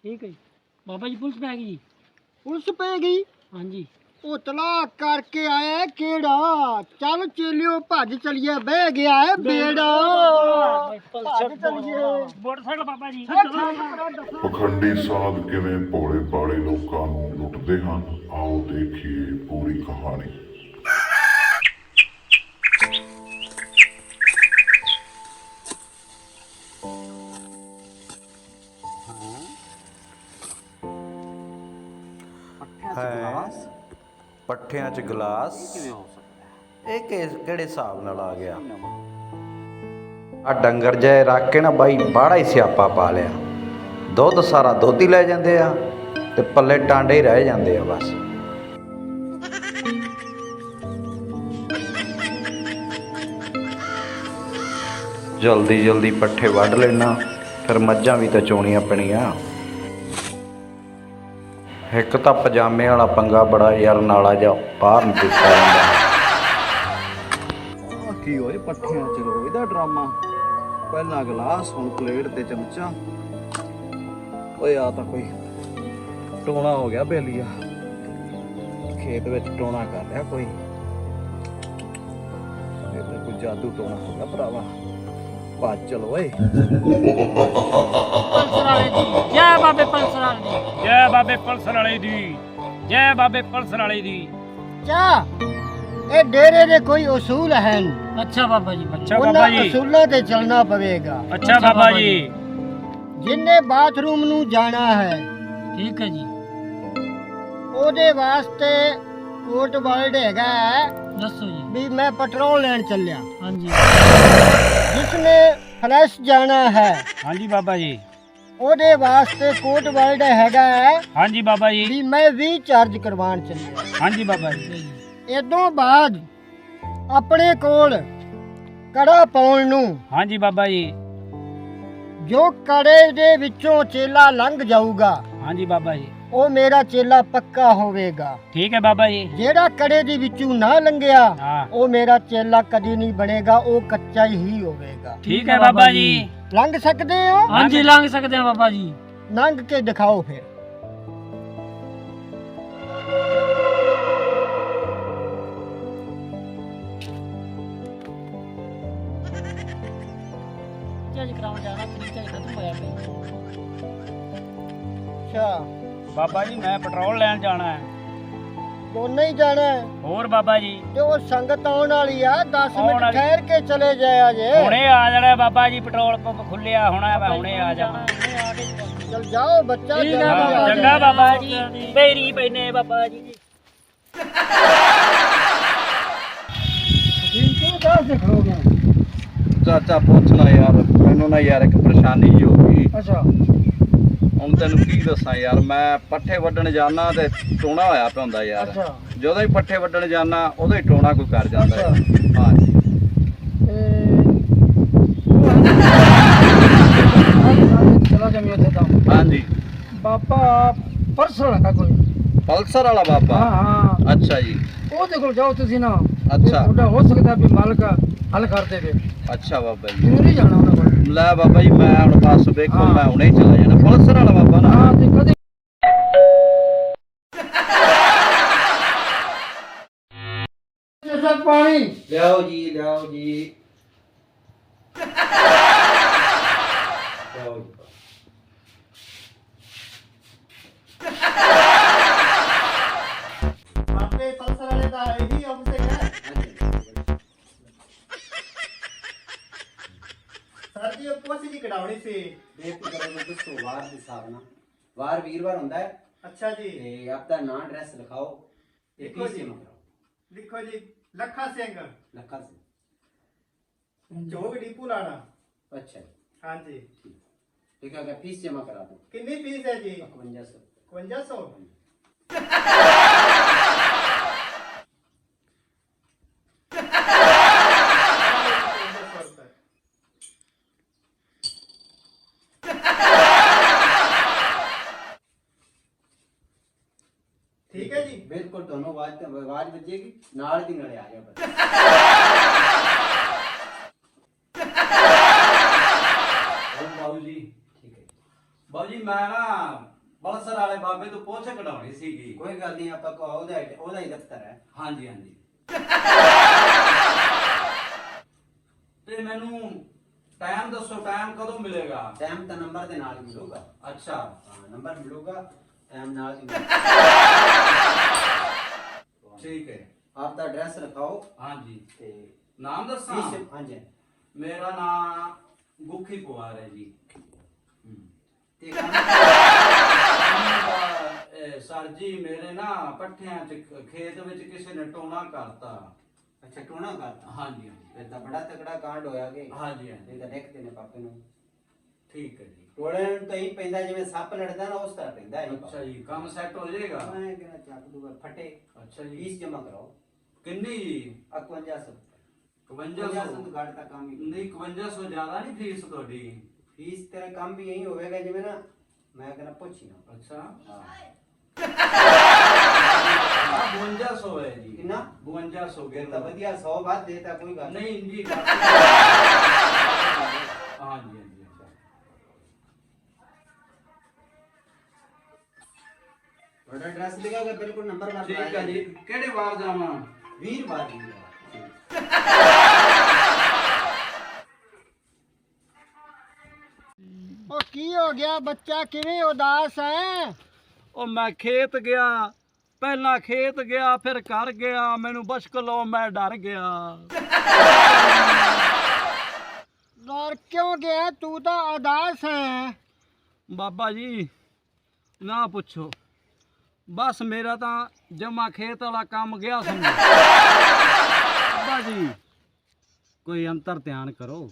ठीक है जी। बाबा जी पुलिस पै गई जी। पुलिस पै गई? हाँ जी। ਉਹ ਤਲਾ ਕਰਕੇ ਆਇਆ ਕਿਹੜਾ? ਚੱਲ ਚੇਲਿਓ ਭੱਜ ਚਲੀਏ, ਬਹਿ ਗਿਆ ਹੈ ਬੇੜਾ। ਭੱਜ ਚਲੀਏ ਮੋਟਰਸਾਈਕਲ ਬਾਬਾ ਜੀ। ਪਖੰਡੀ ਸਾਧ ਕਿਵੇਂ ਭੋਲੇ ਭਾਲੇ ਲੋਕਾਂ ਨੂੰ ਲੁੱਟਦੇ ਹਨ, ਆਓ ਦੇਖੀਏ ਪੂਰੀ ਕਹਾਣੀ। ਪੱਠਿਆਂ 'ਚ ਗਲਾਸ ਇਹ ਕਿਹੜੇ ਹਿਸਾਬ ਨਾਲ ਆ ਗਿਆ? ਆ ਡੰਗਰ ਜੇ ਰੱਖ ਕੇ ਨਾ ਬਾਈ ਬਾੜਾ ਹੀ ਸਿਆਪਾ ਪਾ ਲਿਆ। ਦੁੱਧ ਸਾਰਾ ਦੁੱਧ ਹੀ ਲੈ ਜਾਂਦੇ ਆ ਤੇ ਪੱਲੇ ਟਾਂਡੇ ਹੀ ਰਹਿ ਜਾਂਦੇ ਆ ਬਸ। ਜਲਦੀ ਜਲਦੀ ਪੱਠੇ ਵੱਢ ਲੈਣਾ, ਫਿਰ ਮੱਝਾਂ ਵੀ ਤਾਂ ਚੋਣੀਆਂ ਪੈਣੀਆਂ। ਇੱਕ ਤਾਂ ਪਜਾਮੇ ਵਾਲਾ ਪੰਗਾ ਬੜਾ ਯਾਰ, ਨਾਲਾ ਜਾ ਬਾਹਰ ਨੂੰ ਦਿੱਤਾ ਜਾਂਦਾ। ਕੀ ਹੋਏ ਪੱਠਿਆਂ ਚ ਰੋ ਇਹਦਾ ਡਰਾਮਾ? ਪਹਿਲਾਂ ਗਲਾਸ, ਹੁਣ ਪਲੇਟ ਤੇ ਚਮਚਾ। ਓਏ ਆ ਤਾਂ ਕੋਈ ਟੋਣਾ ਹੋ ਗਿਆ ਬੇਲੀਆ, ਖੇਤ ਵਿੱਚ ਟੋਣਾ ਕਰ ਲਿਆ ਕੋਈ। ਇਹ ਤਾਂ ਕੋਈ ਜਾਦੂ ਟੋਣਾ ਹੋ ਗਿਆ ਭਰਾਵਾ। ਭੱਜ ਚਲੋ ਓਏ। ਪਲਸਰ ਵਾਲੇ ਦੀ ਜੈ ਬਾਬੇ, ਪਲਸਰ ਵਾਲੇ ਦੀ ਜੈ ਬਾਬੇ, ਪਲਸਰ ਵਾਲੇ ਦੀ ਜੈ ਬਾਬੇ, ਪਲਸਰ ਵਾਲੇ ਦੀ। ਚਾ ਇਹ ਡੇਰੇ ਦੇ ਕੋਈ ਉਸੂਲ ਹਨ। ਅੱਛਾ ਬਾਬਾ ਜੀ। ਅੱਛਾ ਉਹਨਾਂ ਉਸੂਲਾਂ ਤੇ ਚੱਲਣਾ ਪਵੇਗਾ। ਅੱਛਾ ਬਾਬਾ ਜੀ। ਜਿੰਨੇ ਬਾਥਰੂਮ ਨੂੰ ਜਾਣਾ ਹੈ, ਠੀਕ ਹੈ ਜੀ, ਉਹਦੇ ਵਾਸਤੇ ਕੋਟ ਵਰਡ ਹੈਗਾ ਹੈ ਦੱਸੋ ਜੀ। ਵੀ ਮੈਂ ਪੈਟਰੋਲ ਲੈਣ ਚੱਲਿਆ। हाँ जी। ਜਿਸਨੇ ਫਲੈਸ਼ ਜਾਣਾ ਹੈ, हाँ जी बाबा जी। ਉਹਦੇ ਵਾਸਤੇ ਕੋਟ ਵਰਡ ਹੈਗਾ ਹੈ हाँ जी बाबा जी। ਵੀ ਮੈਂ ਵੀ ਚਾਰਜ ਕਰਵਾਉਣ ਚੱਲਿਆ। हाँ जी बाबा जी। ਇਦੋਂ ਬਾਅਦ ਆਪਣੇ ਕੋਲ ਕੜਾ ਪਾਉਣ ਨੂੰ, हाँ जी बाबा जी। ਜੋ ਕੜੇ ਦੇ ਵਿੱਚੋਂ ਚੇਲਾ ਲੰਘ ਜਾਊਗਾ, हाँ जी बाबा जी। ਉਹ ਮੇਰਾ ਚੇਲਾ ਪੱਕਾ ਹੋਵੇਗਾ। ठीक है बाबा जी। ਜਿਹੜਾ ਕੜੇ ਦੇ ਵਿੱਚੋਂ ਨਾ ਲੰਘਿਆ, हाँ ਉਹ ਮੇਰਾ ਚੇਲਾ ਕਦੀ ਨਹੀਂ ਬਣੇਗਾ, ਉਹ ਕੱਚਾ ਹੀ ਹੋਵੇਗਾ। ठीक है बाबा जी। ਲੰਘ ਸਕਦੇ ਹੋ? हाँ जी लंघ सकते हैं बाबा जी। ਲੰਘ ਕੇ ਦਿਖਾਓ ਫਿਰ। चार्ज कराने जाना, चार्ज खत्म होया पे। ਅੱਛਾ, बाबा जी मैं पेट्रोल लेन जाना है। ਦੋਨੇ ਹੀ ਜਾਣਾ ਹੈ? और बाबा जी ਤੇ ਉਹ ਸੰਗਤ ਆਉਣ ਵਾਲੀ ਆ, 10 ਆਉਣ ਮਿੰਟ ਵਾਲੀ। ਠਹਿਰ ਕੇ ਚਲੇ ਜਾਇਆ ਜੇ। ਹੁਣੇ ਆ ਜਾਣਾ ਬਾਬਾ ਜੀ, ਪੈਟਰੋਲ ਪੰਪ ਖੁੱਲਿਆ ਹੋਣਾ, ਮੈਂ ਹੁਣੇ ਆ ਜਾਵਾਂ। ਚਲ ਜਾਓ ਬੱਚਾ, ਠੀਕ ਜਲਦੀ ਹੈ ਆ ਬਾਬਾ, ਜਾਏ। ਚੰਗਾ ਬਾਬਾ ਜੀ, ਬੇਰੀ ਪੈਨੇ ਬਾਬਾ ਜੀ। ਤੂੰ ਕਾਹ ਸੇ ਖੜੋਗਾ? ਚਾਚਾ ਪੁੱਛਣਾ ਯਾਰ, ਮੈਨੂੰ ਨਾ ਯਾਰ ਇੱਕ ਪਰੇਸ਼ਾਨੀ ਜਿਹੀ ਹੋ ਗਈ। ਅੱਛਾ, ਹੁਣ ਤੈਨੂੰ ਕੀ ਦੱਸਾਂ ਯਾਰ, ਮੈਂ ਪੱਠੇ ਵੱਢਣ ਜਾਣਾ ਤੇ ਟੋਣਾ ਹੋਇਆ ਪਿਆ ਹੁੰਦਾ ਯਾਰ। ਅੱਛਾ। ਜਦੋਂ ਹੀ ਪੱਠੇ ਵੱਢਣ ਜਾਣਾ ਉਦੋਂ ਹੀ ਟੋਣਾ ਕੋਈ ਕਰ ਜਾਂਦਾ ਯਾਰ। ਅੱਛਾ। ਹਾਂਜੀ ਚਲਾ ਜਮੀ ਉੱਥੇ ਤਾਂ ਹਾਂਜੀ। ਬਾਬਾ ਪਰਸੋਂ ਲਗਾ ਕੋਈ। ਪਲਸਰ ਵਾਲਾ ਬਾਬਾ? ਹਾਂ, ਅੱਛਾ ਜੀ। ਉਹਦੇ ਕੋਲ ਜਾਓ ਤੁਸੀਂ ਨਾ। ਅੱਛਾ। ਤੁਹਾਡਾ ਹੋ ਸਕਦਾ ਵੀ ਮਾਲਕ ਹੱਲ ਕਰ ਦੇਵੇ। ਅੱਛਾ ਬਾਬਾ ਜੀ। ਤੂੰ ਨਹੀਂ ਜਾਣਾ ਉਹਨਾਂ ਕੋਲ। ਲੈ ਬਾਬਾ ਜੀ, ਮੈਂ ਹੁਣ ਬਸ ਵੇਖੋ, ਹਾਂ। ਮੈਂ ਹੁਣੇ ਹੀ ਚਲਾ ਜਾਣਾ। ਪਲਸਰ ਵਾਲਾ ਬਾਬਾ ਨਾ? ਹਾਂ, ਤੇ ਕਦੇ ਪਾਣੀ ਲਿਆਓ ਜੀ, ਲਿਆਓ ਜੀ, ਲਿਆਓ ਜੀ। ਬਾਬੇ ਪਲਸਰ ਵਾਲੇ ਦਾ ਇਹੀ ਆਫਿਸ ਹੈ। ਸਰ ਜੀ, ਉਹ ਪੋਸੀ ਦੀ ਕਢਾਉਣੀ ਸੀ। ਬੇਫਿਕਰ ਹੋ ਕੇ ਦੱਸੋ ਵਾਰ ਦੇ ਹਿਸਾਬ ਨਾਲ। ਵਾਰ ਵੀਰਵਾਰ ਹੁੰਦਾ ਹੈ ਅੱਛਾ ਜੀ। ਤੇ ਆਪਦਾ ਨਾਂ ਐਡਰੈਸ ਲਿਖਾਓ ਤੇ ਲਿਖੋ ਫੀਸ ਜੀ। ਜਮ੍ਹਾਂ ਕਰਾਓ। ਲਿਖੋ ਜੀ, ਲੱਖਾ ਸਿੰਘ, ਲੱਖਾ ਸਿੰਘ। ਚੌਕ ਡੀਪੂ ਲਾਣਾ। अच्छा जी, ਹਾਂਜੀ। ठीक है, अगर फीस जमा करा दो। ਕਿੰਨੀ ਫੀਸ ਹੈ ਜੀ? 5100। 5100। ठीक है जी। बिल्कुल दोनों आवाज बजेगी, नाल दी नाले आ जाओ बस। बाबू जी ठीक है। ਬਾਬੂ ਜੀ ਮੈਂ ਨਾ ਬਲਸਰ ਵਾਲੇ ਬਾਬੇ ਤੋਂ ਪੁੱਛ ਕਢਾਉਣੀ ਸੀਗੀ। ਕੋਈ ਗੱਲ ਨਹੀਂ, ਆਪਾਂ ਕੋ ਉਹਦਾ ਹੀ ਦਫ਼ਤਰ ਹੈ। ਹਾਂਜੀ ਹਾਂਜੀ। ਤੇ ਮੈਨੂੰ ਟਾਈਮ ਦੱਸੋ, ਟਾਈਮ ਕਦੋਂ ਮਿਲੇਗਾ? ਟਾਈਮ ਤਾਂ ਨੰਬਰ ਦੇ ਨਾਲ ਹੀ ਮਿਲੂਗਾ। ਅੱਛਾ, ਹਾਂ, ਨੰਬਰ ਮਿਲੂਗਾ, ਟਾਈਮ ਨਾਲ ਹੀ ਠੀਕ ਹੈ। ਆਪ ਦਾ ਐਡਰੈਸ ਲਿਖਾਓ ਹਾਂਜੀ, ਤੇ ਨਾਮ ਦੱਸਾਂ? ਹਾਂਜੀ ਮੇਰਾ ਨਾਮ ਗੁੱਖੀ ਪਵਾਰ ਹੈ ਜੀ। ਤੇ ਕੰਮ ਸਰ ਜੀ ਮੇਰੇ ਨਾ ਪੱਠਿਆਂ ਚ ਖੇਤ ਵਿੱਚ ਕਿਸੇ ਨੇ ਟੋਣਾ ਕਰਤਾ। ਅੱਛਾ, ਟੋਣਾ ਕਰਤਾ। ਹਾਂਜੀ ਹਾਂਜੀ ਫਿਰ ਤਾਂ ਬੜਾ ਤਕੜਾ ਕਾਂਡ ਹੋਇਆ ਕਿ ਹਾਂਜੀ ਹਾਂਜੀ। ਇਹ ਤਾਂ ਲਿਖਦੇ ਨੇ ਪਾਪੇ ਨੂੰ। ਠੀਕ ਹੈ ਜੀ। ਟੋਲੇ ਨੂੰ ਤਾਂ ਹੀ ਪੈਂਦਾ ਜਿਵੇਂ ਸੱਪ ਲੜਦਾ ਨਾ, ਉਸ ਤਰ੍ਹਾਂ ਪੈਂਦਾ ਇਹ। ਅੱਛਾ ਜੀ, ਕੰਮ ਸੈੱਟ ਹੋ ਜਾਏਗਾ। ਮੈਂ ਕਹਿੰਦਾ ਚੱਕ ਦੂਗਾ ਫਟੇ। ਅੱਛਾ ਜੀ, ਫੀਸ ਜਮਾ ਕਰਾਓ। ਕਿੰਨੀ ਜੀ? 5100 5100? ਘੱਟ ਤਾਂ ਕੰਮ ਹੀ ਨਹੀਂ 5100 ਜ਼ਿਆਦਾ ਨਹੀਂ ਫੀਸ ਤੁਹਾਡੀ? ਫੀਸ ਤੇਰਾ ਕੰਮ ਵੀ ਇਹੀ ਹੋਵੇਗਾ ਜਿਵੇਂ ਨਾ ਮੈਂ ਕਹਿੰਦਾ ਪੁੱਛੀ ਨਾ। ਅੱਛਾ, ਹਾਂ 5200 ਹੈ ਜੀ। ਕਿੰਨਾ? 5200 ਫਿਰ ਤਾਂ ਵਧੀਆ 100 ਬਾਅਦ ਦੇਤਾ, ਕੋਈ ਗੱਲ ਨਹੀਂ ਜੀ। ਹਾਂਜੀ ਹਾਂਜੀ। ਤੁਹਾਡਾ ਐਡਰੈਸ ਲਿਖਾਓਗੇ, ਬਿਲਕੁਲ ਨੰਬਰ ਮਾਰ ਠੀਕ ਹੈ ਜੀ। ਕਿਹੜੇ ਵਾਰ ਜਾਵਾਂ? ਵੀਰਵਾਰ ਦੀ। ਉਹ ਕੀ ਹੋ ਗਿਆ ਬੱਚਾ, ਕਿਵੇਂ ਉਦਾਸ ਹੈ? ਉਹ ਮੈਂ ਖੇਤ ਗਿਆ, ਪਹਿਲਾਂ ਖੇਤ ਗਿਆ ਫਿਰ ਘਰ ਗਿਆ, ਮੈਨੂੰ ਬਸ਼ਕਲੋ ਮੈਂ ਡਰ ਗਿਆ। ਡਰ ਕਿਉਂ ਗਿਆ? ਤੂੰ ਤਾਂ ਉਦਾਸ ਹੈ। ਬਾਬਾ ਜੀ ਨਾ ਪੁੱਛੋ, ਬਸ ਮੇਰਾ ਤਾਂ ਜਮਾ ਖੇਤ ਵਾਲਾ ਕੰਮ ਗਿਆ ਸਮਝੋ। ਬਾਬਾ ਜੀ ਕੋਈ ਅੰਤਰ ਧਿਆਨ ਕਰੋ।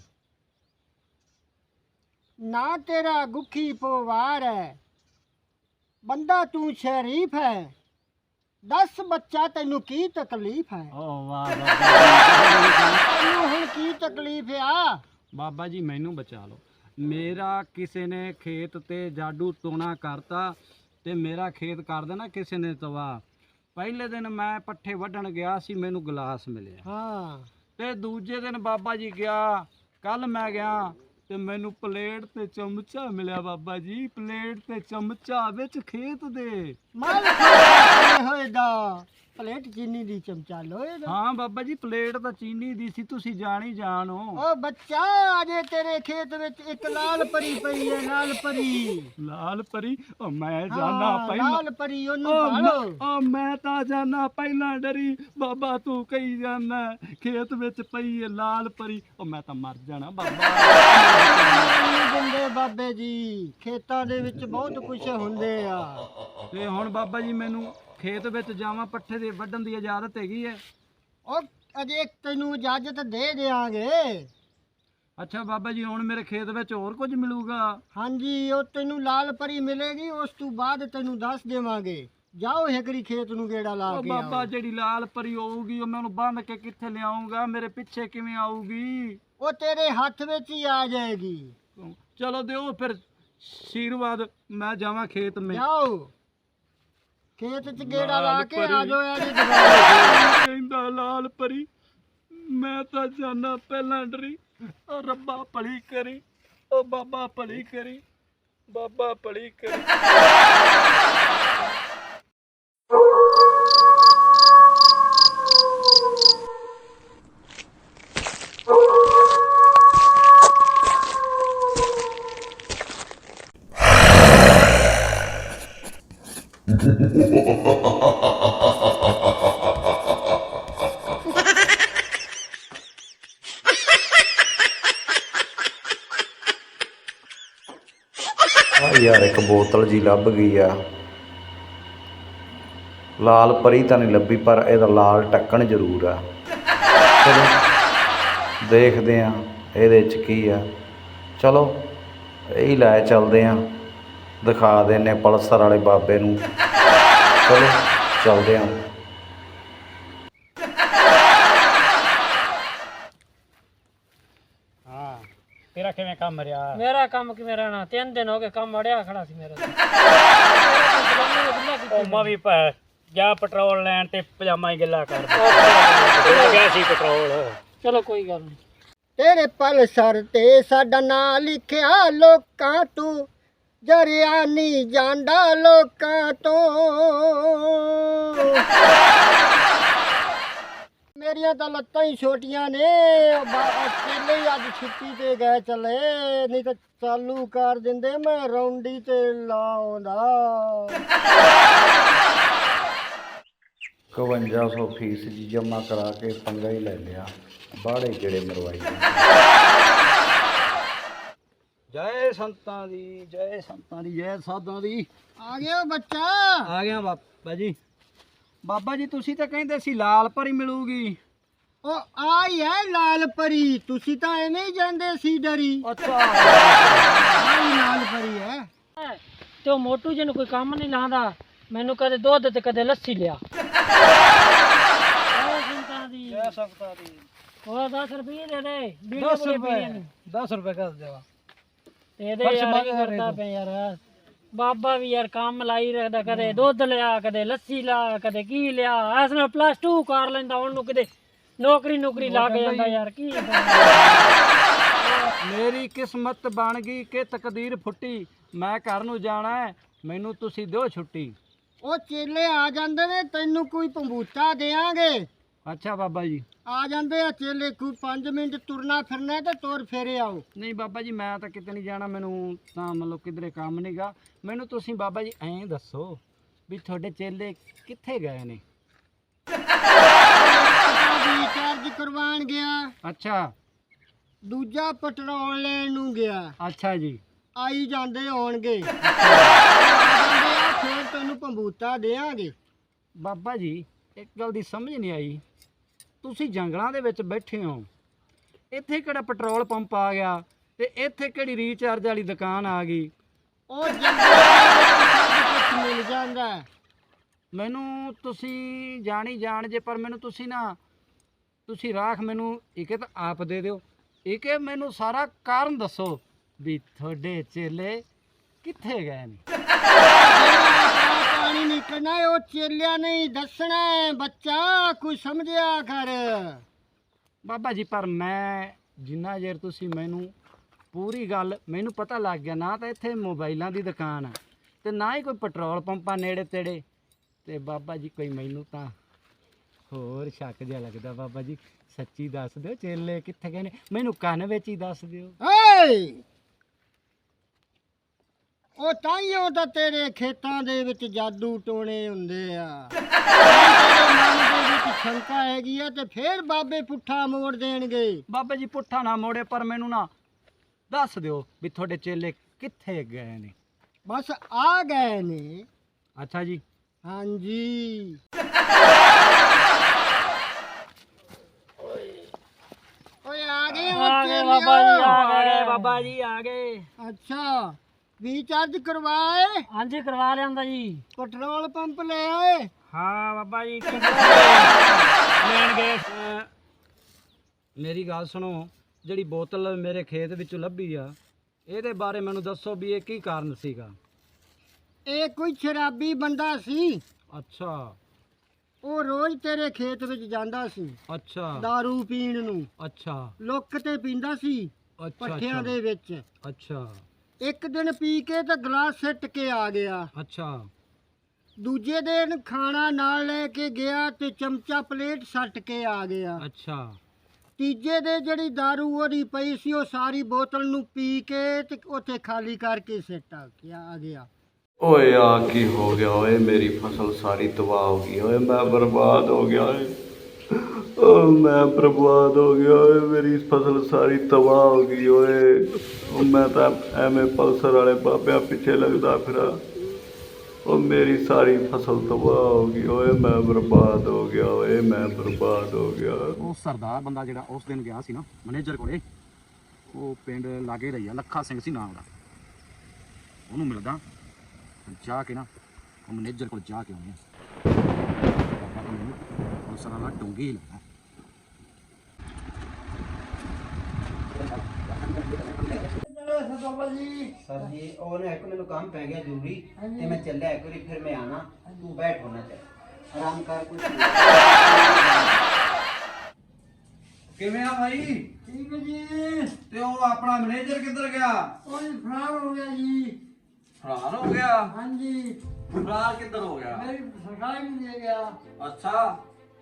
ਨਾ ਤੇਰਾ ਗੁੱਖੀ ਪਵਾਰ ਹੈ, ਬੰਦਾ ਤੂੰ ਸ਼ਰੀਫ ਹੈ। ਦੱਸ ਬੱਚਾ, ਤੈਨੂੰ ਕੀ ਤਕਲੀਫ ਹੈ? ਓ ਵਾਹ ਬਾਬਾ ਤੈਨੂੰ ਹੁਣ ਕੀ ਤਕਲੀਫ ਆ? ਬਾਬਾ ਜੀ ਮੈਨੂੰ ਬਚਾ ਲਓ। ਮੇਰਾ ਕਿਸੇ ਨੇ ਖੇਤ ਤੇ ਜਾਦੂ ਟੋਣਾ ਕਰਤਾ ਤੇ ਮੇਰਾ ਖੇਤ ਕਰ ਦੇਣਾ ਕਿਸੇ ਨੇ ਤਬਾਹ। ਪਹਿਲੇ ਦਿਨ ਮੈਂ ਪੱਠੇ ਵੱਢਣ ਗਿਆ ਸੀ, ਮੈਨੂੰ ਗਲਾਸ ਮਿਲਿਆ। ਹਾਂ, ਤੇ ਦੂਜੇ ਦਿਨ ਬਾਬਾ ਜੀ ਗਿਆ, ਕੱਲ ਮੈਂ ਗਿਆ ਤੇ ਮੈਨੂੰ ਪਲੇਟ ਤੇ ਚਮਚਾ ਮਿਲਿਆ। ਬਾਬਾ ਜੀ ਪਲੇਟ ਤੇ ਚਮਚਾ ਵਿੱਚ ਖੇਤ ਦੇ। ਮਲ ਖਾਏ ਹੋਏ ਦਾ ਪਲੇਟ ਚੀਨੀ ਦੀ, ਚਮਚਾ ਲੋਹੇ ਦਾ। ਹਾਂ ਬਾਬਾ ਜੀ ਪਲੇਟ ਤਾਂ ਚੀਨੀ ਦੀ ਸੀ, ਤੁਸੀਂ ਜਾਣੀ ਜਾਣੋ। ਓ ਬੱਚਾ, ਅਜੇ ਤੇਰੇ ਖੇਤ ਵਿੱਚ ਇੱਕ ਲਾਲ ਪਰੀ ਪਈ ਹੈ, ਲਾਲ ਪਰੀ। ਲਾਲ ਪਰੀ? ਓ ਮੈਂ ਜਾਣਾ ਹਾਂ, ਪਹਿਲਾਂ। ਲਾਲ ਪਰੀ, ਉਹਨੂੰ ਓ ਪਾਲੋ। ਮੈਂ ਤਾਂ ਜਾਣਾ ਪਹਿਲਾਂ ਡਰੀ। ਬਾਬਾ ਤੂੰ ਕਹੀ ਜਾਣਾ ਖੇਤ ਵਿੱਚ ਪਈ ਹੈ ਲਾਲ ਪਰੀ। ਓ ਮੈਂ ਤਾਂ ਮਰ ਜਾਣਾ ਬਾਬਾ। ਨਹੀਂ ਦਿੰਦੇ ਬਾਬੇ ਜੀ, ਖੇਤਾਂ ਦੇ ਵਿੱਚ ਬਹੁਤ ਕੁਝ ਹੁੰਦੇ ਆ। ਤੇ ਹੁਣ ਬਾਬਾ ਜੀ ਮੈਨੂੰ ਖੇਤ ਵਿੱਚ ਜਾਵਾਂ, ਪੱਠੇ ਦੇ ਵੱਢਣ ਦੀ ਇਜਾਜ਼ਤ ਹੈਗੀ ਹੈ? ਉਹ ਅਜੇ ਤੈਨੂੰ ਇਜਾਜ਼ਤ ਦੇ ਦਿਆਂਗੇ। ਅੱਛਾ ਬਾਬਾ ਜੀ, ਹੁਣ ਮੇਰੇ ਖੇਤ ਵਿੱਚ ਹੋਰ ਕੁਝ ਮਿਲੂਗਾ? ਹਾਂਜੀ, ਉਹ ਤੈਨੂੰ ਲਾਲ ਪਰੀ ਮਿਲੇਗੀ, ਉਸ ਤੋਂ ਬਾਅਦ ਤੈਨੂੰ ਦੱਸ ਦੇਵਾਂਗੇ। ਜਾਓ ਹੈਕਰੀ ਖੇਤ ਨੂੰ ਗੇੜਾ ਲਾ ਓ ਕੇ ਬਾਬਾ ਆਓ। ਜਿਹੜੀ ਲਾਲ ਪਰੀ ਹੋਊਗੀ ਉਹ ਮੈਨੂੰ ਬੰਨ ਕੇ ਕਿੱਥੇ ਲਿਆਉਂਗਾ? ਮੇਰੇ ਪਿੱਛੇ ਕਿਵੇਂ ਆਊਗੀ? ਉਹ ਤੇਰੇ ਹੱਥ ਵਿੱਚ ਹੀ ਆ ਜਾਏਗੀ। ਚਲੋ ਦਿਓ ਫਿਰ ਆਸ਼ੀਰਵਾਦ, ਮੈਂ ਜਾਵਾਂ ਖੇਤ ਮੇ। ਜਾਓ ਖੇਤ ਚ ਗੇੜਾ ਲਾ ਲਾਲ ਕੇ ਪਰੀ। ਆ ਜਾਓ ਇਹਦੀ ਦੁਕਾਨ। ਕਹਿੰਦਾ ਲਾਲ ਪਰੀ, ਮੈਂ ਤਾਂ ਜਾਣਾ ਪਹਿਲਾਂ ਡਰੀ। ਓ ਰੱਬਾ ਭਲੀ ਕਰੀ, ਓ ਬਾਬਾ ਭਲੀ ਕਰੀ, ਬਾਬਾ ਭਲੀ ਕਰੀ। ਆ ਯਾਰ ਇੱਕ ਬੋਤਲ ਜੀ ਲੱਭ ਗਈ ਆ। ਲਾਲ ਪਰੀ ਤਾਂ ਨਹੀਂ ਲੱਭੀ, ਪਰ ਇਹਦਾ ਲਾਲ ਢੱਕਣ ਜ਼ਰੂਰ ਆ। ਚਲੋ ਦੇਖਦੇ ਆ ਇਹਦੇ 'ਚ ਕੀ ਆ। ਚਲੋ ਇਹੀ ਲੈ ਚੱਲਦੇ ਆ, ਦਿਖਾ ਦਿੰਦੇ ਪਲਸਰ ਵਾਲੇ ਬਾਬੇ ਨੂੰ। ਚਲੋ ਚੱਲਦੇ ਆ। ਤੇਰਾ ਕਿਵੇਂ ਕੰਮ ਰਿਹਾ? ਮੇਰਾ ਕੰਮ ਕਿਵੇਂ ਰਹਿਣਾ, 3 ਦਿਨ ਹੋ ਗਏ ਕੰਮ ਅੜਿਆ ਖੜਾ ਸੀ ਮੇਰਾ। ਉਹ ਮੈਂ ਵੀ ਜਾ ਪੈਟਰੋਲ ਲੈਣ ਤੇ ਪਜਾਮਾ ਹੀ ਗਿੱਲਾ ਕਰ ਗਿਆ ਸੀ ਪੈਟਰੋਲ। ਚਲੋ ਕੋਈ ਗੱਲ ਨਹੀਂ। ਤੇਰੇ ਪਲਸਰ ਤੇ ਸਾਡਾ ਨਾਂ ਲਿਖਿਆ, ਲੋਕਾਂ ਤੂੰ ਜਰਿਆ ਨਹੀਂ ਜਾਂਦਾ ਲੋਕਾਂ ਤੋਂ। ਮੇਰੀਆਂ ਤਾਂ ਲੱਤਾਂ ਹੀ ਛੋਟੀਆਂ ਨੇ, ਚੇਲੇ ਹੀ ਅੱਜ ਛੁੱਟੀ ਤੇ ਗਏ ਚਲੇ, ਨਹੀਂ ਤਾਂ ਚਾਲੂ ਕਰ ਦਿੰਦੇ ਮੈਂ ਰੌਂਡੀ ਤੇ ਲਾਉਂਦਾ। 5100 ਫੀਸ ਜੀ ਜਮ੍ਹਾਂ ਕਰਾ ਕੇ ਪੰਗਾ ਹੀ ਲੈ ਲਿਆ, ਬਾੜੇ ਕਿਹੜੇ ਮਰਵਾਈ। ਜੈ ਸੰਤਾਂ ਦੀ, ਜੈ ਸੰਤਾਂ ਦੀ, ਜੈ ਸਾਧਾਂ ਦੀ। ਆ ਗਿਆ ਬੱਚਾ। ਆ ਗਿਆ ਬਾਬਾ ਜੀ। ਬਾਬਾ ਜੀ ਤੁਸੀਂ ਤਾਂ ਕਹਿੰਦੇ ਸੀ ਲਾਲ ਪਰੀ ਮਿਲੂਗੀ। ਉਹ ਆਈ ਹੈ ਲਾਲ ਪਰੀ, ਤੁਸੀਂ ਤਾਂ ਐਵੇਂ ਹੀ ਜਾਂਦੇ ਸੀ ਡਰੀ। ਅੱਛਾ ਆਈ ਲਾਲ ਪਰੀ ਹੈ। ਤੇ ਉਹ ਮੋਟੂ ਜੀ ਨੂੰ ਕੋਈ ਕੰਮ ਨਹੀਂ ਲਾਉਂਦਾ, ਮੈਨੂੰ ਕਦੇ ਦੁੱਧ ਤੇ ਕਦੇ ਲੱਸੀ ਲਿਆ। ਜੈ ਸੰਤਾਂ ਦੀ। ਉਹ 10 ਰੁਪਏ ਦੇ ਦੇ, 10 ਰੁਪਏ 10 ਰੁਪਏ ਕਰ ਦੇਵਾ। ਇਹਦੇ ਯਾਰ ਕੀ ਕਰਦਾ ਪਿਆ ਯਾਰ। ਬਾਬਾ ਵੀ ਯਾਰ ਕੰਮ ਲਾਈ ਰੱਖਦਾ, ਕਦੇ ਦੁੱਧ ਲਿਆ, ਕਦੇ ਲੱਸੀ ਲਿਆ, ਕਦੇ ਕੀ ਲਿਆ। ਇਸ ਨਾਲ +2 ਕਰ ਲੈਂਦਾ, ਉਹਨੂੰ ਕਿਤੇ ਨੌਕਰੀ ਲੱਗ ਜਾਂਦਾ ਯਾਰ। ਕੀ ਮੇਰੀ ਕਿਸਮਤ ਬਣ ਗਈ ਕਿ ਤਕਦੀਰ ਫੁੱਟੀ, ਮੈਂ ਘਰ ਨੂੰ ਜਾਣਾ ਹੈ, ਮੈਨੂੰ ਤੁਸੀਂ ਦਿਓ ਛੁੱਟੀ। ਉਹ ਚੇਲੇ ਆ ਜਾਂਦੇ ਨੇ, ਤੈਨੂੰ ਕੋਈ ਪੰਬੂਤਾ ਦੇਾਂਗੇ। ਅੱਛਾ ਬਾਬਾ ਜੀ। ਆ ਜਾਂਦੇ ਆ ਚੇਲੇ, ਕੋਈ 5 ਮਿੰਟ ਤੁਰਨਾ ਫਿਰਨਾ ਤੇ ਤੁਰ ਫੇਰੇ ਆਓ। ਨਹੀਂ ਬਾਬਾ ਜੀ ਮੈਂ ਤਾਂ ਕਿਤੇ ਨਹੀਂ ਜਾਣਾ, ਮੈਨੂੰ ਤਾਂ ਮਤਲਬ ਕਿਧਰੇ ਕੰਮ ਨਹੀਂਗਾ। ਮੈਨੂੰ ਤੁਸੀਂ ਬਾਬਾ ਜੀ ਐਂ ਦੱਸੋ ਵੀ ਤੁਹਾਡੇ ਚੇਲੇ ਕਿੱਥੇ ਗਏ ਨੇ? ਰੀਚਾਰਜ ਕਰਵਾਉਣ ਗਿਆ, ਅੱਛਾ ਦੂਜਾ ਪੈਟਰੋਲ ਲੈਣ ਨੂੰ ਗਿਆ। ਅੱਛਾ ਜੀ। ਆਈ ਜਾਂਦੇ ਹੋਣਗੇ, ਫਿਰ ਤੈਨੂੰ ਪੰਬੂਤਾ ਦੇਾਂਗੇ। ਬਾਬਾ ਜੀ ਇੱਕ ਗੱਲ ਦੀ ਸਮਝ ਨਹੀਂ ਆਈ, ਤੁਸੀਂ ਜੰਗਲਾਂ ਦੇ ਵਿੱਚ ਬੈਠੇ ਹੋ, ਇੱਥੇ ਕਿਹੜਾ ਪੈਟਰੋਲ ਪੰਪ ਆ ਗਿਆ ਤੇ ਇੱਥੇ ਕਿਹੜੀ ਰੀਚਾਰਜ ਵਾਲੀ ਦੁਕਾਨ ਆ ਗਈ? ਉਹ ਕੁਝ ਮਿਲ ਜਾਂਦਾ। ਮੈਨੂੰ ਤੁਸੀਂ ਜਾਣੀ ਜਾਣ ਜੇ, ਪਰ ਮੈਨੂੰ ਤੁਸੀਂ ਰਾਖ ਮੈਨੂੰ ਇੱਕ ਤਾਂ ਆਪ ਦੇ ਦਿਓ, ਇੱਕ ਮੈਨੂੰ ਸਾਰਾ ਕਾਰਨ ਦੱਸੋ ਵੀ ਤੁਹਾਡੇ ਚੇਲੇ ਕਿੱਥੇ ਗਏ ਨੇ। ਪਾਣੀ ਨਿਕਲਣਾ ਉਹ ਚੇਲਿਆਂ ਨਹੀਂ ਦੱਸਣਾ ਬੱਚਾ, ਕੋਈ ਸਮਝਿਆ ਕਰ। ਬਾਬਾ ਜੀ ਪਰ ਮੈਂ ਜਿੰਨਾ ਚਿਰ ਤੁਸੀਂ ਮੈਨੂੰ ਪੂਰੀ ਗੱਲ ਮੈਨੂੰ ਪਤਾ ਲੱਗ ਗਿਆ, ਨਾ ਤਾਂ ਇੱਥੇ ਮੋਬਾਈਲਾਂ ਦੀ ਦੁਕਾਨ ਆ ਤੇ ਨਾ ਹੀ ਕੋਈ ਪੈਟਰੋਲ ਪੰਪਾਂ ਨੇੜੇ ਤੇੜੇ, ਤੇ ਬਾਬਾ ਜੀ ਕੋਈ ਮੈਨੂੰ ਤਾਂ ਹੋਰ ਸ਼ੱਕ ਜਿਹਾ ਲੱਗਦਾ। ਬਾਬਾ ਜੀ ਸੱਚੀ ਦੱਸ ਦਿਓ ਚੇਲੇ ਕਿੱਥੇ ਗਏ ਨੇ, ਮੈਨੂੰ ਕੰਨ ਵਿੱਚ ਹੀ ਦੱਸ ਦਿਓ। ਉਹ ਤਾਈਓ ਤਾਂ ਤੇਰੇ ਖੇਤਾਂ ਦੇ ਵਿੱਚ ਜਾਦੂ ਟੋਣੇ ਹੁੰਦੇ ਆ। ਤੇਰੇ ਮਨ ਦੇ ਵਿੱਚ ਸ਼ੰਕਾ ਹੈਗੀ ਆ ਤੇ ਫੇਰ ਬਾਬੇ ਪੁੱਠਾ ਮੋੜ ਦੇਣਗੇ। ਬਾਬਾ ਜੀ ਪੁੱਠਾ ਨਾ ਮੋੜੇ, ਪਰ ਮੈਨੂੰ ਨਾ ਦੱਸ ਦਿਓ ਵੀ ਤੁਹਾਡੇ ਚੇਲੇ ਕਿੱਥੇ ਗਏ ਨੇ। ਬਸ ਆ ਗਏ ਨੇ। ਅੱਛਾ ਜੀ। ਹਾਂਜੀ। ਓਏ ਆ ਗਏ ਆ ਗਏ ਬਾਬਾ ਜੀ, ਆ ਗਏ ਬਾਬਾ ਜੀ, ਆ ਗਏ। ਅੱਛਾ ਰੀਚਾਰਜ ਕਰਵਾਏ? ਹਾਂਜੀ ਕਰਵਾ ਲਿਆਂਦਾ ਜੀ। ਪੈਟਰੋਲ ਪੰਪ ਲੈ ਆਏ? ਹਾਂ ਬਾਬਾ ਜੀ ਲੈਣ ਗਏ। ਮੇਰੀ ਗੱਲ ਸੁਣੋ, ਜਿਹੜੀ ਬੋਤਲ ਮੇਰੇ ਖੇਤ ਵਿੱਚੋਂ ਲੱਭੀ ਆ, ਇਹਦੇ ਬਾਰੇ ਮੈਨੂੰ ਦੱਸੋ ਵੀ ਇਹ ਕੀ ਕਾਰਨ ਸੀਗਾ? ਇਹ ਕੋਈ ਸ਼ਰਾਬੀ ਬੰਦਾ ਸੀ। ਅੱਛਾ। ਉਹ ਰੋਜ਼ ਤੇਰੇ ਖੇਤ ਵਿੱਚ ਜਾਂਦਾ ਸੀ ਅੱਛਾ। दारू ਪੀਣ ਨੂੰ। ਅੱਛਾ। ਲੁੱਕ ਤੇ ਪੀਂਦਾ ਸੀ ਪੱਠਿਆਂ ਦੇ ਵਿੱਚ। ਅੱਛਾ। ਇੱਕ ਦਿਨ ਪੀ ਕੇ ਤਾਂ ਗਲਾਸ ਸਿੱਟ ਕੇ ਆ ਗਿਆ। ਅੱਛਾ। ਦੂਜੇ ਦਿਨ ਖਾਣਾ ਨਾਲ ਲੈ ਕੇ ਗਿਆ ਤੇ ਚਮਚਾ ਪਲੇਟ ਸੱਟ ਕੇ ਆ ਗਿਆ। ਅੱਛਾ। ਤੀਜੇ ਦੇ ਜਿਹੜੀ दारू ਉਹਦੀ ਪਈ ਸੀ ਉਹ ਸਾਰੀ ਬੋਤਲ ਨੂੰ ਪੀ ਕੇ ਤੇ ਉੱਥੇ ਖਾਲੀ ਕਰਕੇ ਸਿੱਟ ਆ ਗਿਆ। ਓਏ ਆ ਕੀ ਹੋ ਗਿਆ ਓਏ, ਮੇਰੀ ਫਸਲ ਸਾਰੀ ਤਬਾਹ ਹੋ ਗਈ ਓਏ, ਮੈਂ ਬਰਬਾਦ ਹੋ ਗਿਆ ਓਏ, ਓ ਮੈਂ ਬਰਬਾਦ ਹੋ ਗਿਆ ਓਏ, ਮੇਰੀ ਫਸਲ ਸਾਰੀ ਤਬਾਹ ਹੋ ਗਈ ਓਏ। ਉਹ ਮੈਂ ਤਾਂ ਐਵੇਂ ਪਲਸਰ ਵਾਲੇ ਬਾਬਿਆਂ ਪਿੱਛੇ ਲੱਗਦਾ ਫਿਰਾਂ, ਉਹ ਮੇਰੀ ਸਾਰੀ ਫਸਲ ਤਬਾਹ ਹੋ ਗਈ ਓਏ, ਮੈਂ ਬਰਬਾਦ ਹੋ ਗਿਆ ਓਏ, ਮੈਂ ਬਰਬਾਦ ਹੋ ਗਿਆ। ਉਹ ਸਰਦਾਰ ਬੰਦਾ ਜਿਹੜਾ ਉਸ ਦਿਨ ਗਿਆ ਸੀ ਨਾ ਮੈਨੇਜਰ ਕੋਲੇ, ਉਹ ਪਿੰਡ ਲਾਗੇ ਰਹੀ ਆ, ਲੱਖਾ ਸਿੰਘ ਸੀ ਨਾਮ ਦਾ, ਉਹਨੂੰ ਮਿਲਦਾ ਜਾ ਕੇ ਨਾ, ਉਹ ਮੈਨੇਜਰ ਕੋਲ ਜਾ ਕੇ ਆਉਂਦੇ ਆ। ਬਾਬਾ ਤਾਂ ਮੈਨੂੰ ਉਹ ਸਾਰਾ ਡੂੰਘੀ ਹੀ ਲੱਗਾ। सर जी और एक मैंने काम पै गया जरूरी ते मैं चलिया एक बारी, फिर मैं आना, तू बैठ होना चाहिए आराम कर कुछ। ਕਿਵੇਂ ਆ ਭਾਈ? ਠੀਕ ਜੀ। ਤੇ ਉਹ ਆਪਣਾ ਮੈਨੇਜਰ ਕਿੱਧਰ ਗਿਆ? ਉਹ ਫਰਾਰ ਹੋ ਗਿਆ ਜੀ। ਫਰਾਰ ਹੋ ਗਿਆ? ਹਾਂਜੀ ਫਰਾਰ ਕਿੱਧਰ ਹੋ ਗਿਆ? ਮੇਰੀ ਸਰਕਾਰ ਨਹੀਂ ਦੇ ਗਿਆ। ਅੱਛਾ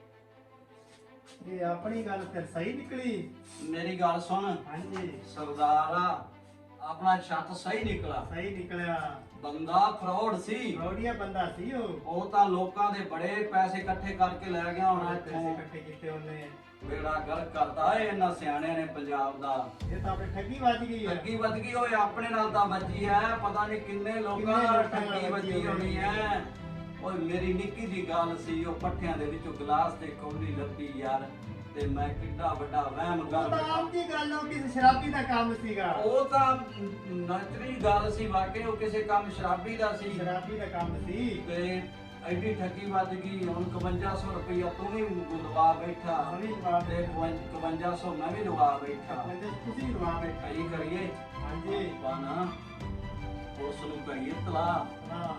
ਇਹ ਆਪਣੀ ਗੱਲ ਫਿਰ ਸਹੀ ਨਿਕਲੀ। ਮੇਰੀ ਗੱਲ ਸੁਣ, ਹਾਂਜੀ ਸਰਦਾਰਾ ਆਪਣਾ ਛੱਤ ਸਹੀ ਨਿਕਲਾ। ਸਹੀ ਨਿਕਲਿਆ। ਬੰਦਾ ਫਰੋਡ ਸੀ। ਰੋੜੀਆ ਬੰਦਾ ਸੀ ਉਹ ਤਾਂ ਲੋਕਾਂ ਦੇ ਬੜੇ ਪੈਸੇ ਇਕੱਠੇ ਕਰਕੇ ਲੈ ਗਿਆ ਹੁਣ ਪੈਸੇ ਇੱਥੋਂ। ਇਕੱਠੇ ਕੀਤੇ ਉਹਨੇ। ਬੇੜਾ ਗਰਕ ਕਰਦਾ ਏ ਇਹਨਾਂ ਸਿਆਣਿਆਂ ਨੇ ਪੰਜਾਬ ਦਾ। ਇਹ ਤਾਂ ਆਪਣੀ ਠੱਗੀ ਵੱਜ ਗਈ ਹੈ। ਠੱਗੀ ਵੱਜ ਗਈ ਓਏ, ਆਪਣੇ ਨਾਲ ਤਾਂ ਵੱਜੀ ਐ, ਪਤਾ ਨਹੀਂ ਕਿੰਨੇ ਲੋਕਾਂ ਨਾਲ ਠੱਗੀ ਵੱਜੀ ਹੋਣੀ ਐ। ਓਏ ਮੇਰੀ ਨਿੱਕੀ ਜੀ ਗੱਲ ਸੀ, ਉਹ ਪੱਠਿਆਂ ਦੇ ਵਿੱਚੋਂ ਗਲਾਸ ਤੇ ਕੌਲੀ ਲੱਭੀ ਯਾਰ, ਤੇ ਮੈਂ ਕਿੱਡਾ ਵੱਡਾ ਵਹਿਮ ਕਰ ਉਹ ਤਾਂ ਆਮ ਦੀ ਗੱਲ ਉਹ ਕਿਸੇ ਸ਼ਰਾਬੀ ਦਾ ਕੰਮ ਸੀਗਾ। ਉਹ ਤਾਂ ਨਚਰੀ ਗੱਲ ਸੀ, ਵਾਕਈ ਉਹ ਕਿਸੇ ਕੰਮ ਸ਼ਰਾਬੀ ਦਾ ਸੀ। ਸ਼ਰਾਬੀ ਦਾ ਕੰਮ ਸੀ। ਤੇ ਐਡੀ ਠੱਗੀ ਵੱਜ ਗਈ। ਹੁਣ 5500 ਰੁਪਇਆ ਤੂੰ ਵੀ ਲਵਾ ਬੈਠਾ ਮੈਂ ਵੀ ਲਵਾ ਤੇ 5500 ਮੈਂ ਵੀ ਲਵਾ ਬੈਠਾ। ਤੁਸੀਂ ਲਵਾ ਬੈਠੇ। ਕੀ ਕਰੀਏ? ਹਾਂਜੀ ਬਾਨਾ ਉਸ ਨੂੰ ਕਰੀਏ ਤਲਾ। ਹਾਂ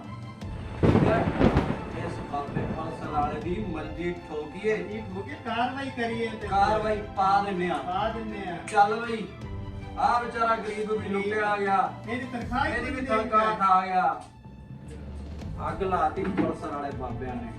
ਇਸ ਬਾਬੇ ਪਲਸਰ ਵਾਲੇ ਦੀ ਮਰਜ਼ੀ ਠੋਕੀਏ, ਇਹ ਮੁਕੇ ਕਾਰਵਾਈ ਕਰੀਏ ਤੇ ਕਾਰਵਾਈ ਪਾ ਦਿੰਨੇ ਆ। ਪਾ ਦਿੰਨੇ ਆ। ਚੱਲ ਬਈ, ਆ ਵਿਚਾਰਾ ਗਰੀਬ ਵੀ ਲੁੱਟਿਆ ਗਿਆ, ਇਹਦੀ ਤਨਖਾਹ ਹੀ ਇਹਦੀ ਵੀ ਨਹੀਂ ਤਨਖਾਹ ਖਾ ਗਿਆ। ਅੱਗ ਲਾਤੀ ਪਲਸਰ ਵਾਲੇ ਬਾਬਿਆਂ ਨੇ।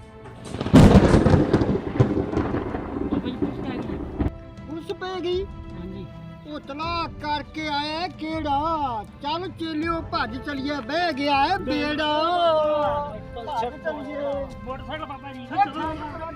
ਬਈ ਪੁੱਛ ਕੇ ਆ ਗਈ। ਪੁਲਿਸ ਪੈ ਗਈ। ਹਾਂਜੀ ਉਤਲਾ ਕਰਕੇ ਆਇਆ ਕਿਹੜਾ? ਚੱਲ ਚੇਲਿਓ ਭੱਜ ਚਲੀਏ, ਬਹਿ ਗਿਆ ਹੈ ਬੇੜਾ। ਮੋਟਰਸਾਈਕਲ ਬਾਬਾ ਜੀ